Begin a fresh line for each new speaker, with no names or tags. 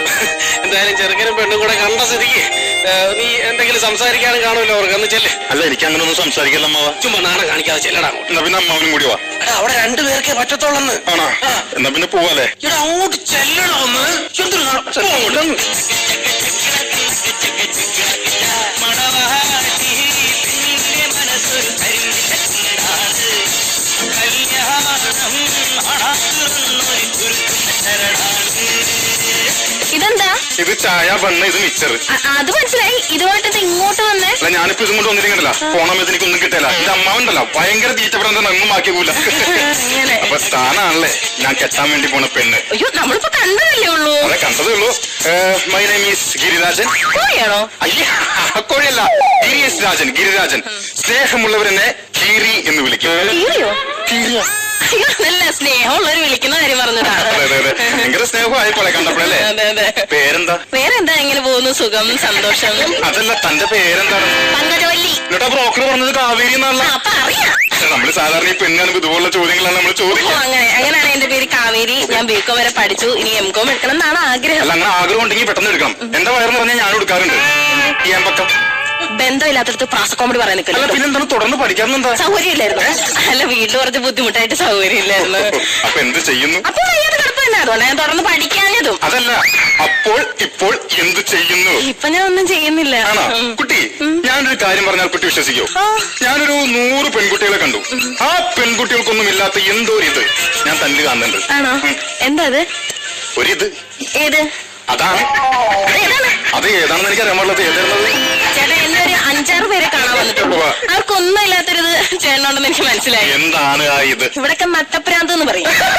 എന്തായാലും ചെറുക്കനും പെണ്ണും കൂടെ കണ്ട സ്ഥിതിക്ക് നീ എന്തെങ്കിലും സംസാരിക്കാനും കാണുമല്ലോ അവർക്ക് എന്ന് ചെല്ലേ.
അല്ല, എനിക്ക് അങ്ങനെ ഒന്നും സംസാരിക്കല്ല അമ്മാവ.
ചുമ്മാ നാണം കാണിക്കാതെ ചെല്ലടാ.
എന്നാ പിന്നെ അമ്മാവനും കൂടി വാ.
അവിടെ രണ്ടുപേർക്കേ പറ്റത്തോളന്ന്.
ആണോ? എന്നാ പിന്നെ പോവാല്ലേ?
ഇവിടെ അങ്ങോട്ട് ചെല്ലണോ ഒന്ന്.
ഇതെന്താ?
ഇത് ചായ, ബണ്ണ്, ഇത് മിച്ചർ.
അത് മനസ്സിലായി. ഇതുമായിട്ട് ഇങ്ങോട്ട് വന്നേ?
അല്ല, ഞാനിപ്പോ ഇതും കൊണ്ട് വന്നിരിക്കണ്ടല്ല. പോണമെന്ന് എനിക്കൊന്നും കിട്ടില്ല. ഇത് അമ്മാവുണ്ടല്ലോ, ഭയങ്കര തീറ്റപ്പെടാൻ ഒന്നും ആക്കിയൂല. അപ്പൊ സ്ഥാനാണല്ലേ ഞാൻ കെട്ടാൻ വേണ്ടി പോണ പെണ്ണ്.
അയ്യോ, നമ്മളിപ്പോ കണ്ടതല്ലേ ഉള്ളൂ.
അതെ, കണ്ടതേ ഉള്ളൂ. My name is Girirajan.
കോഴിയാണോ?
അയ്യ, കോഴിയല്ല, ഗിരിയസ് രാജൻ. ഗിരിരാജൻ. സ്നേഹമുള്ളവരെന്നെ കീരി എന്ന് വിളിക്കും.
കീരിയോ?
കീരിയ.
അയ്യോ, നല്ല സ്നേഹമുള്ളവര് വിളിക്കുന്ന കാര്യം പറഞ്ഞതാ.
ഭയങ്കര സ്നേഹമായിപ്പോലെ കണ്ടപ്പോഴല്ലേ. പേരെന്താ?
പേരെന്താ? എങ്ങനെ പോകുന്നു? സുഖം, സന്തോഷം.
അതല്ല, തന്റെ പേരെന്താണ്?
പങ്കജവല്ലി.
എന്നിട്ടാ ബ്രോക്കർ പറഞ്ഞത് കാവേരി എന്നാണല്ലോ.
അപ്പൊ അറിയാം.
നമ്മള് സാധാരണ ഈ പെണ്ണാണ് ഇതുപോലുള്ള ചോദ്യങ്ങളാണ് നമ്മൾ ചോദിക്കുക.
അങ്ങനെയാണ് എന്റെ പേര് കാവേരി. ഞാൻ ബികോം വരെ പഠിച്ചു. ഇനി എംകോം എടുക്കണം എന്നാണ് ആഗ്രഹം.
അല്ല, അങ്ങനെ ആഗ്രഹം ഉണ്ടെങ്കിൽ പെട്ടെന്ന് എടുക്കാം. എന്റെ വയറെന്ന് പറഞ്ഞാൽ ഞാൻ എടുക്കാറുണ്ട്. ഈ അമ്പക്കം
ബന്ധമില്ലാത്തടത്ത് പ്രാസ കോമഡി പറയാൻ നിൽക്കില്ല.
പിന്നെന്താണ് തുടർന്ന് പഠിക്കാറുണ്ടാ?
സൗകര്യം ഇല്ലായിരുന്നു. അല്ല, വീട്ടിൽ കുറച്ച് ബുദ്ധിമുട്ടായിട്ട് സൗകര്യം ഇല്ലായിരുന്നു.
അപ്പൊ എന്ത് ചെയ്യുന്നു?
അപ്പൊ വയ്യാതെ കിടപ്പന്നെ. അതുകൊണ്ട് ഞാൻ തുടർന്ന് പഠിക്കാഞ്ഞതും.
അതല്ല, അപ്പോൾ ഇപ്പോൾ എന്ത് ചെയ്യുന്നു?
ഇപ്പൊ ഞാൻ ഒന്നും ചെയ്യുന്നില്ല.
ആണോ? കുട്ടി, ഞാനൊരു കാര്യം പറഞ്ഞാൽ കുട്ടി വിശ്വസിക്കോ? ഞാനൊരു 100 പെൺകുട്ടികളെ കണ്ടു. ആ പെൺകുട്ടികൾക്കൊന്നും ഇല്ലാത്ത എന്തോ ഒരു ഇത് ഞാൻ തന്നിൽ കാണുന്നുണ്ട്.
ആണോ? എന്താ അത്?
ഒരിത്.
ഏത്?
അതാണ്. അത് ഏതാണെന്ന് എനിക്ക് അറിയാൻ പാടില്ല. ഏതായിരുന്നത്?
ചേട്ടാ, എന്നെ ഒരു 5-6 പേരെ കാണാൻ വന്നിട്ടുള്ളൂ. അവർക്കൊന്നും ഇല്ലാത്തൊരിത് ചേട്ടനുണ്ടെന്ന് എനിക്ക് മനസ്സിലായി.
എന്താണ് ആ ഇത്?
ഇവിടൊക്കെ നട്ടപ്രാന്ത് എന്ന് പറയും.